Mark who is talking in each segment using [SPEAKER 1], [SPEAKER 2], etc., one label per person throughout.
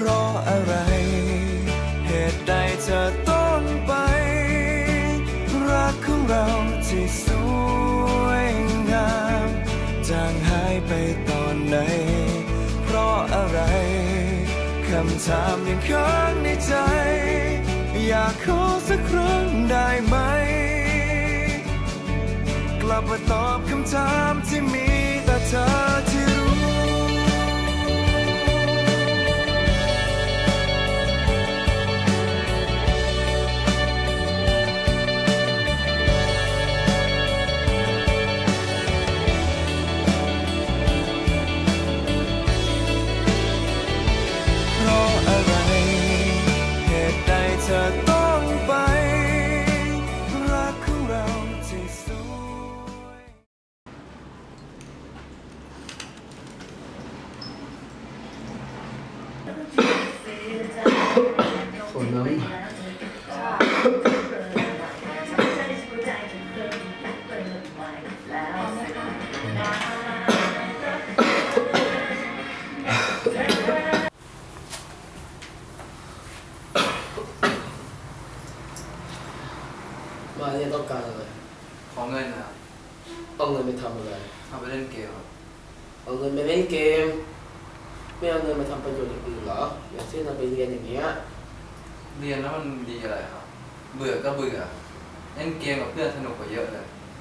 [SPEAKER 1] ราะอะไรเหตุใดเธอต้องไปรักของเราที่สวยงามจางหายไปตอนไหนเพราะอะไรคำถามยังค้างในใจอยากขอสักครั้งได้ไหมกลับมาตอบคำถามที่มีแต่เธอที่รู้เธอต้องไปรักของเราที่สวย
[SPEAKER 2] คนน้ำมาเนี่ยต้องการอะไร
[SPEAKER 3] ขอเงินนะครับ
[SPEAKER 2] เอาเงินไปทำอะไร
[SPEAKER 3] เอาไปเล่นเกมครับ
[SPEAKER 2] เอาเงินไปเล่นเกมไม่เอาเงินมาทำประโยชน์อย่างอื่นเหรออย่างเช่นเอาไปเรียนอย่างเงี้ย
[SPEAKER 3] เรียนแล้วมันดีอะไรครับเบื่อก็เบื่อเล่นเกมกับเพื่อนสนุกกว่าเยอะเลย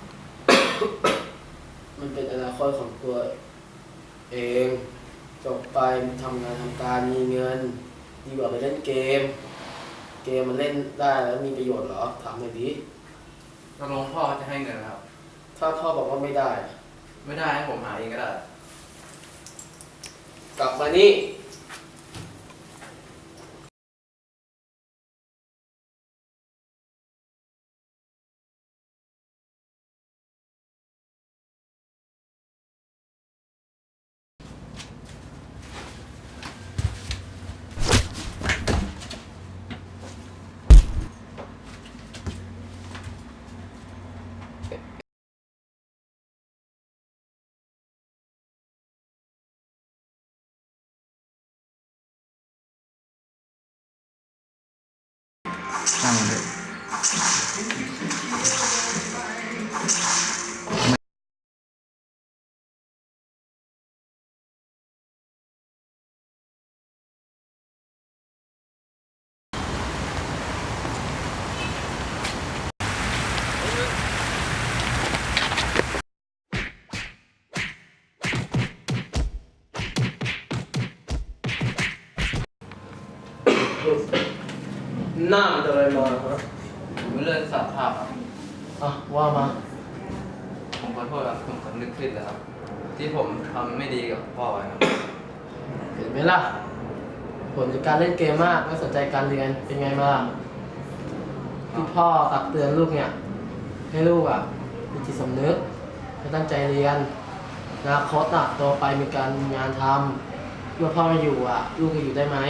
[SPEAKER 2] มันเป็นอนาคตของตัวเองจบไปทำงานทำการมีเงินดีกว่าไปเล่นเกมมันเล่นได้แล้วมีประโยชน์เหรอถามหน่อยดิ
[SPEAKER 3] ตกลงพ่อจะให้เงินครับ
[SPEAKER 2] ถ้าพ่อบอกว่าไม่ได้
[SPEAKER 3] ให้ผมหาเองก็ได้
[SPEAKER 2] กลับมานี่
[SPEAKER 3] นั่งเลย
[SPEAKER 2] หน้ามันอะไรมาครับ
[SPEAKER 3] ผมเลื่อนสารภาพครับ
[SPEAKER 2] ว่ามา
[SPEAKER 3] ผมขอโทษครับผมสำนึกผิดแล้วครับที่ผมทำไม่ดีกับพ่อไว้ครับ
[SPEAKER 2] เห็นไหมล่ะผลจากการเล่นเกมมากไม่สนใจการเรียนเป็นไงมาที่พ่อตักเตือนลูกเนี่ยให้ลูกมีจิตสำนึกให้ตั้งใจเรียนอนาคตโตไปมีการงานทำเมื่อพ่อไม่อยู่ลูกจะอยู่ได้ไหม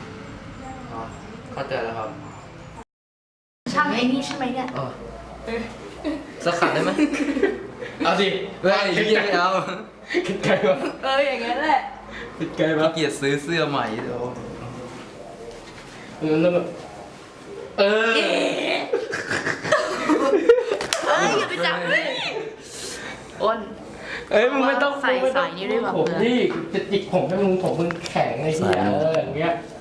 [SPEAKER 3] เข้าใจแล้วครับ
[SPEAKER 4] ช่างไอ้นี่ใช่ไหมเนี่ย
[SPEAKER 3] สักขัดได้ไหมเอาดิไม่เอา
[SPEAKER 2] คิดไกลวะ
[SPEAKER 4] อย่างงั้นแหละ
[SPEAKER 2] คิดไกลวะ
[SPEAKER 3] เกียรติซื้อเสื้อใหม่เดี๋ยว
[SPEAKER 2] แล้วแบบ
[SPEAKER 4] อย่าไปจับอ้น
[SPEAKER 2] มึงไม่ต้อง
[SPEAKER 4] ใส่นี่ด้วยแบบ
[SPEAKER 2] ผมนี่จะจิกผมให้มึงแข็งไอ้เหี้ยอย่างเงี้ย